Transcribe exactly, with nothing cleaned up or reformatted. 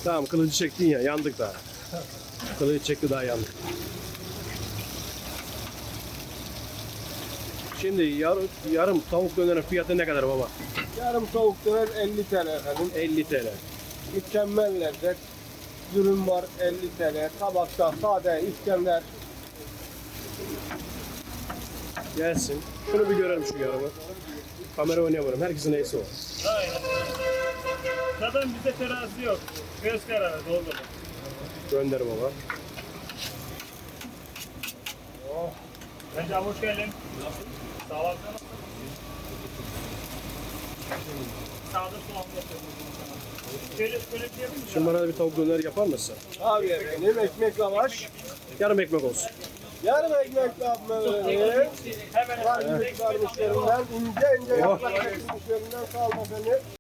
Tamam, kılıcı çektin ya, yandık daha. Kılıcı çekti, daha yandık. Şimdi yar, yarım tavuk dönerin fiyatı ne kadar baba? Yarım tavuk döner elli T L efendim. elli T L. Mükemmel lezzet. Dürüm var elli T L. Tabakta sade İskender. Gelsin. Şunu bir görelim, şu yarımı. Kamera oynayamıyorum. Herkesin neyse o. Aynen. Zaten bizde terazi yok. Göz kararı doldu. Gönder baba. Oh. Bence hoş geldin. Nasıl? Sağ ol. Sağda soğan yapıyorum. Şöyle şöyle bir yapayım mı? Şimdi bana da bir tavuk döner yapar mısın? Abi efendim ekmek lavaş. Yarım ekmek olsun. Yarım ekmek yapmaları. Hemen Var yüz vermişlerinden ince ince yaprak kesilmişlerinden sağ olun efendim.